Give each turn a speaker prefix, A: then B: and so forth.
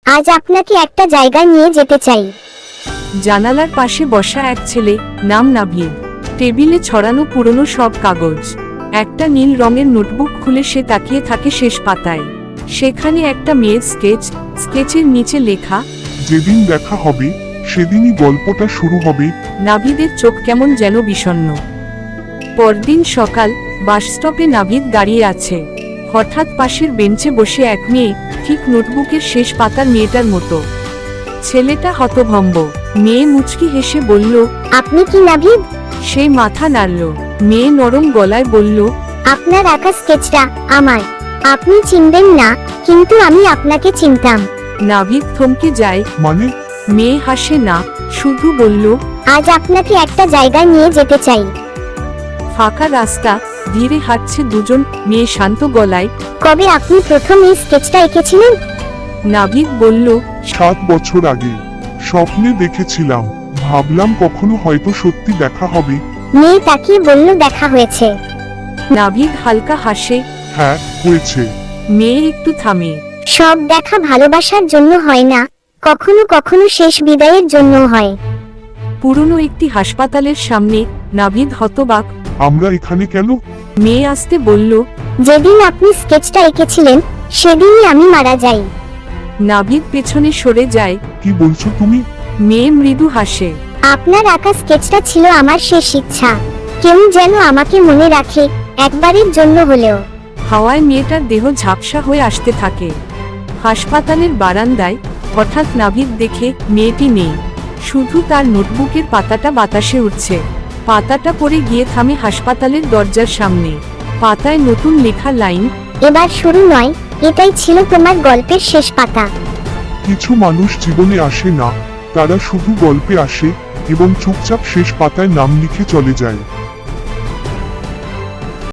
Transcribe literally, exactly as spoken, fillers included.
A: আজ আপনাকে একটা জায়গায় নিয়ে যেতে চাই।
B: জানালার পাশে বসা এক ছেলে, নাম নাভিদ। টেবিলে ছড়ানো পুরনো সব কাগজ। একটা নীল রঙের নোটবুক খুলে সে তাকিয়ে থাকে শেষ পাতায়। সেখানে একটা মেয়ের স্কেচ, স্কেচের নিচে লেখা,
C: যেদিন দেখা হবে সেদিনই গল্পটা শুরু হবে।
B: নাভিদের চোখ কেমন যেন বিষণ্ণ। পরদিন সকাল, বাসস্টপে নাভিদ দাঁড়িয়ে আছে। হঠাৎ পাশের বেঞ্চে বসে এক মেয়ে, ঠিক নোটবুকের শেষ পাতার মেয়েটার মতো। ছেলেটা হতভম্ব। মেয়ে মুচকি হেসে বলল,
A: আপনি কি নাভিদ?
B: সে মাথা নাড়ল। মেয়ে নরম গলায় বলল,
A: আপনার আঁকা স্কেচটা আমার। আপনি চিনবেন না, কিন্তু আমি আপনাকে চিনতাম।
B: নাভিদ থমকে যায়।
C: মানে?
B: মেয়ে হাসে না, শুধু বলল,
A: আজ আপনাকে একটা জায়গায় নিয়ে যেতে চাই।
B: ফাঁকা রাস্তা, ধীরে হাঁটছে দুজন। মেয়ে শান্ত গলায়,
A: কবে আপনি প্রথম এই স্কেচটা এঁকেছিলেন?
B: নাভিদ বলল,
C: সাত বছর আগে স্বপ্নে দেখেছিলাম, ভাবলাম কখনো হয়তো সত্যি দেখা হবে।
A: মেয়ে তাকিয়ে বলল, দেখা হয়েছে।
B: নাভিদ হালকা হাসে।
C: হ্যাঁ, হয়েছে।
B: মেয়ে একটু থামে।
A: সব দেখা ভালোবাসার জন্য হয় না, কখনো কখনো শেষ বিদায়ের জন্য হয়।
B: পুরনো একটি হাসপাতালের সামনে। নাভিদ হতবাক।
C: আমরা এখানে কেন?
B: মেয়ে আসতে বলল।
A: যেদিন আপনি স্কেচটা এঁকেছিলেন সেদিনই আমি মারা যাই।
B: নাভিদ পেছনে সরে যায়।
C: কি বলছো তুমি?
B: মেয়ে মৃদু হাসে।
A: আপনার আঁকা স্কেচটা ছিল আমার শেষ ইচ্ছা। কেউ যেন আমাকে মনে রাখে, একবারের জন্য হলেও।
B: হাওয়ায় মেয়েটার দেহ ঝাপসা হয়ে আসতে থাকে। হাসপাতালের বারান্দায় হঠাৎ নাভিদ দেখে মেয়েটি নেই, শুধু তার নোটবুকের পাতাটা বাতাসে উঠছে। পাতাটা পড়ে গিয়ে থামে হাসপাতালের দরজার সামনে। পাতায় নতুন লেখা লাইন,
A: এবার শুরু নয়, এটাই ছিল তোমার গল্পের শেষ পাতা।
C: কিছু মানুষ জীবনে আসে না, তারা শুধু গল্পে আসে এবং চুপচাপ শেষ পাতায় নাম লিখে চলে যায়।